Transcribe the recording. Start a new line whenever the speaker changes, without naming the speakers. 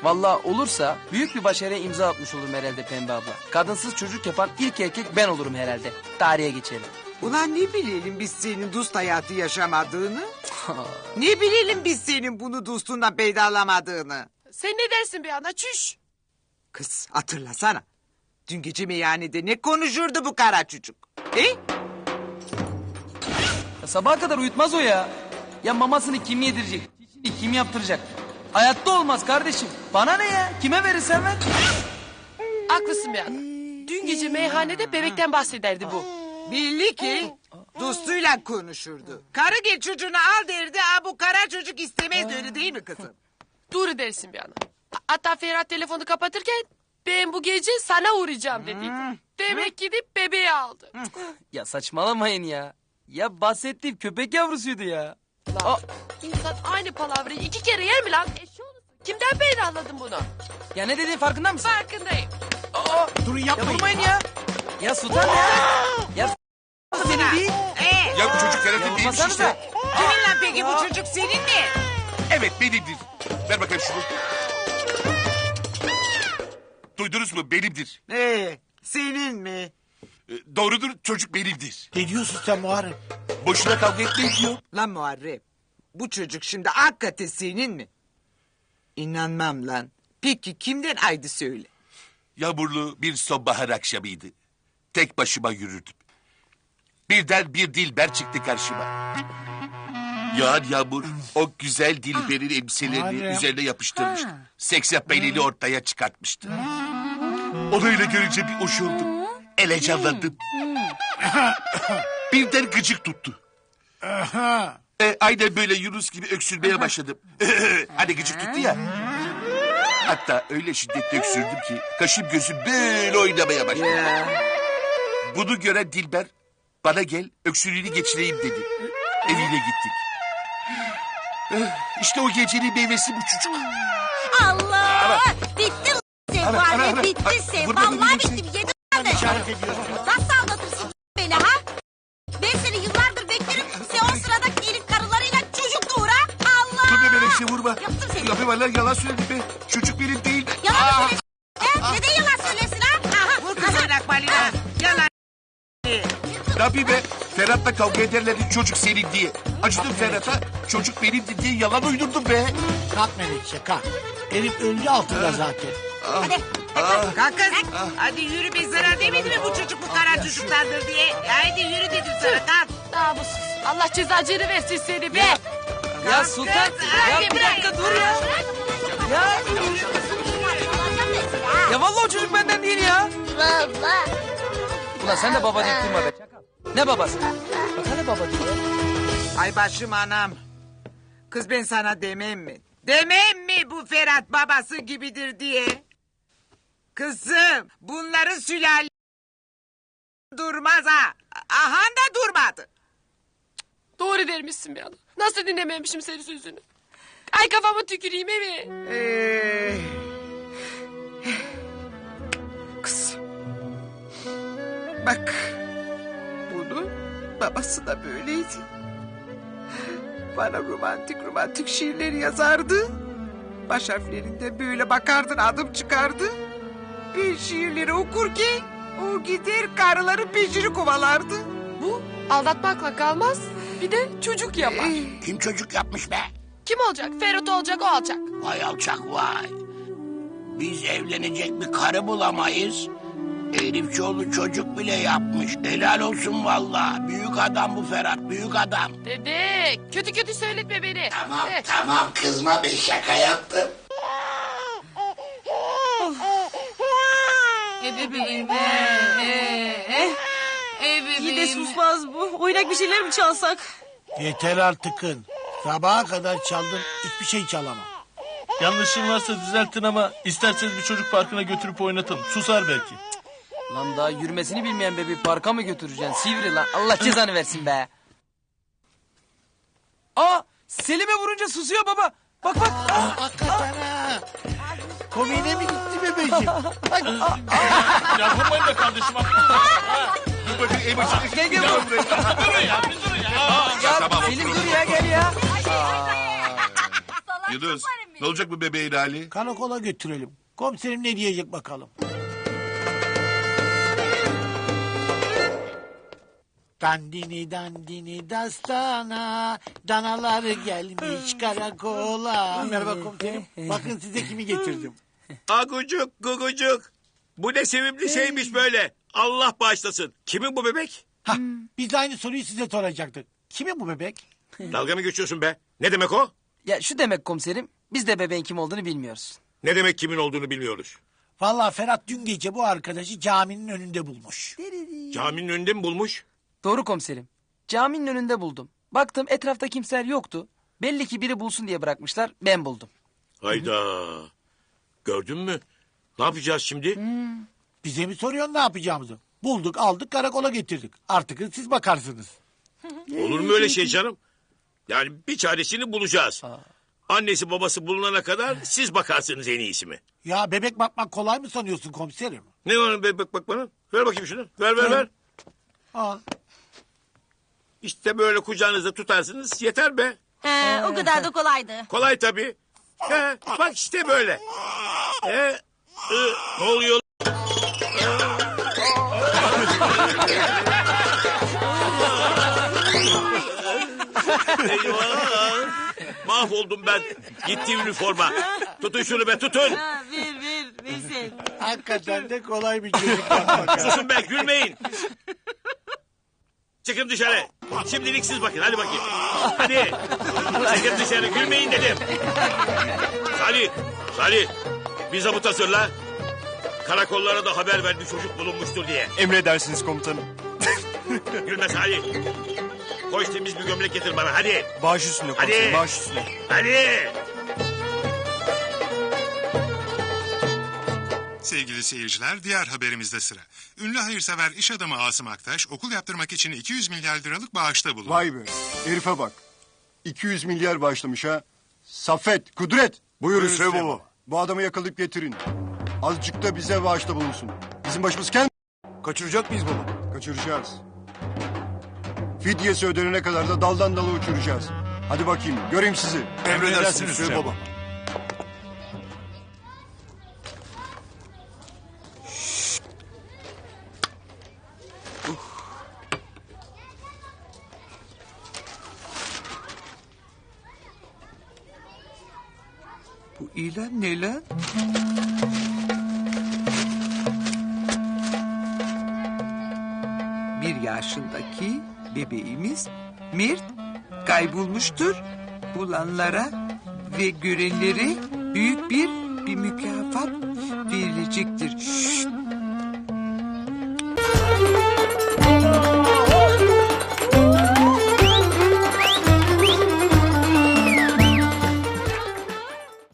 Vallahi olursa büyük bir başarıya imza atmış olurum herhalde Pembe abla. Kadınsız çocuk yapan ilk erkek ben olurum herhalde. Tarihe geçelim.
Ulan ne bilelim biz senin dost hayatı yaşamadığını? Ne bilelim biz senin bunu dostundan peydalamadığını?
Sen ne dersin bir ana çüş?
Kız hatırlasana. Dün gece meyhanede ne konuşurdu bu kara çocuk?
Ya sabaha kadar uyutmaz o ya. Ya mamasını kim yedirecek? Çişini kim yaptıracak? Hayatta olmaz kardeşim. Bana ne ya? Kime verirsen ver.
Haklısın bir ana. Dün gece meyhanede bebekten bahsederdi bu.
Belli ki dostuyla konuşurdu. Karı gel çocuğunu al derdi. Ha bu kara çocuk istemez öyle değil mi kızım?
Doğru dersin bir ana. Hatta Ferhat telefonu kapatırken ben bu gece sana uğrayacağım dediydi. Demek gidip bebeği aldı.
Ya saçmalamayın ya. Ya bahsettiğim köpek yavrusuydu ya.
Lan, İnsan aynı palavrayı 2 kere yer mi lan? Eşoğlu. Kimden anladın bunu?
Ya ne dediğin farkında mısın?
Farkındayım.
Durun
Ya
yapmayın.
vurmayın ya. Ya Sultan ya. Ya senin değil.
Ya bu çocuk Ferhat'ın
Ya
değilmiş
vurmasanıza.
işte.
Kimin lan peki bu çocuk senin mi?
Evet benimdir. Ver bakayım şunu. Duydunuz mu? Benimdir.
Senin mi?
Doğrudur, çocuk benimdir.
Ne diyorsun sen Muharrem?
Boşuna kavga etmeyin diyor.
Lan Muharrem bu çocuk şimdi hakikaten senin mi? İnanmam lan. Peki kimden aydı söyle.
Yağmurlu bir sonbahar akşamıydı. Tek başıma yürürdüm. Birden bir dilber çıktı karşıma. Yağan yağmur o güzel dilberin elbiselerini
Muharrem.
üzerine yapıştırmıştı. Seks yapmayı ortaya çıkartmıştı. Onu öyle görünce bir hoş oldum. Elecanlandım. Birden gıcık tuttu. Aynen böyle Yunus gibi öksürmeye başladım. Hani gıcık tuttu ya. Hatta öyle şiddetli öksürdüm ki kaşım gözüm böyle oynamaya başladı. Bunu gören Dilber bana gel öksürüğünü geçireyim dedi. Evine gittik. İşte o gecenin meyvesi bu çocuk.
Allah! Bitti sen Muharrem, bitti sen.
Vurma beni,
Vallahi
yoksa-
bitti. Yedim ben de.
İşaret ediyorsun.
Nasıl aldatırsın beni ha? Ben seni yıllardır beklerim. Sen o sırada iyilik karılarıyla çocuk doğur ha? Allah!
Dur be Melekşe vurma.
Yaptım seni.
Ya be vallahi yalan söyledim be. Çocuk benim değil.
Yalan mı söylesin? Neden yalan söylesin ha? Aha,
Vur kızın akbalina. Yalan.
Ne yapayım be? Ferhat'la kavga ederlerdi çocuk senin diye. Acıdım Ferhat'a. Çocuk benimdi diye yalan uydurdum be.
Kalk Melekşe kalk. Herif öldü altında zaten.
Hadi.
Kalk kız. Hadi yürü be zarar demedi mi bu çocuk bu kara çocuklardır diye. Haydi yürü dedim sana kalk.
Namussuz. Allah cezacını versin seni be.
Ya Sultan. Ya bir dakika dur ya. Ya. Ya vallahi o çocuk benden değil ya.
Baba.
Ulan sen de baba deyip durma be. Çakal. Ne babası? Bak hani baba diyor ya.
Ay başım anam. Kız ben sana demem mi? Demem mi bu Ferhat babası gibidir diye? Kızım bunların sülale durmaz ha. Ahan da durmadı.
Doğru dermişsin bir ana. Nasıl dinlememişim senin sözünü? Ay kafama tüküreyim evi.
Kız. Bak. Bunun babası da böyleydi. Bana romantik şiirler yazardı. Baş harflerinde böyle bakardın adım çıkardı. Bir şiirleri okurken o gider karıların peşini kovalardı.
Bu aldatmakla kalmaz. Bir de çocuk yapar.
Kim çocuk yapmış be?
Kim olacak? Ferhat olacak, o olacak.
Vay alçak vay. Biz evlenecek bir karı bulamayız. Herif çoluk çocuk bile yapmış. Helal olsun vallahi. Büyük adam bu Ferhat, büyük adam.
Dede, kötü kötü söyletme beni.
Tamam tamam kızma ben şaka yaptım.
Bebeğim. İyi de susmaz bu. Oynak bir şeyler mi çalsak?
Yeter artıkın. Sabaha kadar çaldım hiçbir şey çalamam.
Yanlışım varsa düzeltin ama isterseniz bir çocuk parkına götürüp oynatalım. Susar belki.
Lan daha yürümesini bilmeyen bebeği parka mı götüreceksin? Sivri lan. Allah cezanı versin be. Aa, Selim'e vurunca susuyor baba. Bak bak.
Hakikaten ha. Komiğine mi gitti bebeğim?
Ya vurmayın be kardeşim.
Dur bakayım en başına
Gel gel vur.
Durun ya, bir durun ya.
Ya
Tamam.
Selim dur ya gel ya.
Yunus Ne olacak bu bebeğin hali?
Karakola götürelim. Komiserim ne diyecek bakalım. Dandini dandini dastana, danalar gelmiş karakola. Merhaba komiserim. Bakın size kimi getirdim.
Agucuk gugucuk. Bu ne sevimli şeymiş böyle. Allah bağışlasın. Kimin bu bebek?
Hah, biz de aynı soruyu size soracaktık. Kimin bu bebek?
Dalga mı geçiyorsun be? Ne demek o?
Ya şu demek komiserim, biz de bebeğin kim olduğunu bilmiyoruz.
Ne demek kimin olduğunu bilmiyoruz.
Vallahi Ferhat dün gece bu arkadaşı caminin önünde bulmuş.
Caminin önünde mi bulmuş?
Doğru komiserim. Caminin önünde buldum. Baktım etrafta kimseler yoktu. Belli ki biri bulsun diye bırakmışlar, ben buldum.
Hayda. Gördün mü? Ne yapacağız şimdi?
Bize mi soruyorsun ne yapacağımızı? Bulduk aldık karakola getirdik. Artık siz bakarsınız.
Olur mu öyle şey canım? Yani bir çaresini bulacağız. Annesi babası bulunana kadar siz bakarsınız en iyisi mi?
Ya bebek bakmak kolay mı sanıyorsun komiserim?
Ne var bebek bak bana? Ver bakayım şunu. Ver.
Al.
İşte böyle kucağınızda tutarsınız yeter be.
O kadar da kolaydı.
Kolay tabii. He, bak işte böyle. Ne oluyor? Eyvah! Mahvoldum ben. Gitti üniforma. Tutun şunu be tutun.
Ver Veysel.
Hakikaten de kolay bir çocuk yapmak.
Susun be gülmeyin. Çıkın dışarı. Şimdilik siz bakın hadi bakayım. Hadi. Çıkın dışarı gülmeyin dedim. Salih. Bir zabıt hazırla. Karakollara da haber ver bir çocuk bulunmuştur diye.
Emredersiniz komutanım.
Gülme Salih. Koş temiz bir gömlek getir bana hadi.
Baş üstüne komiserim, baş üstüne.
Hadi.
Sevgili seyirciler, diğer haberimizde sıra. Ünlü hayırsever iş adamı Asım Aktaş, okul yaptırmak için 200 milyar liralık bağışta bulundu.
Vay be, herife bak. 200 milyar bağışlamış ha. Saffet, Kudret. Buyur Hüseyin baba. Bu adamı yakalayıp getirin. Azıcık da bize bağışta bulunsun. Bizim başımız kendi... Kaçıracak mıyız baba? Kaçıracağız. Fidyesi ödenene kadar da daldan dala uçuracağız. Hadi bakayım, göreyim sizi.
Emredersiniz Hüseyin baba.
Bu ilan ne lan? Bir yaşındaki bebeğimiz Mert kaybolmuştur. Bulanlara ve görenlere büyük bir mükafat verilecektir.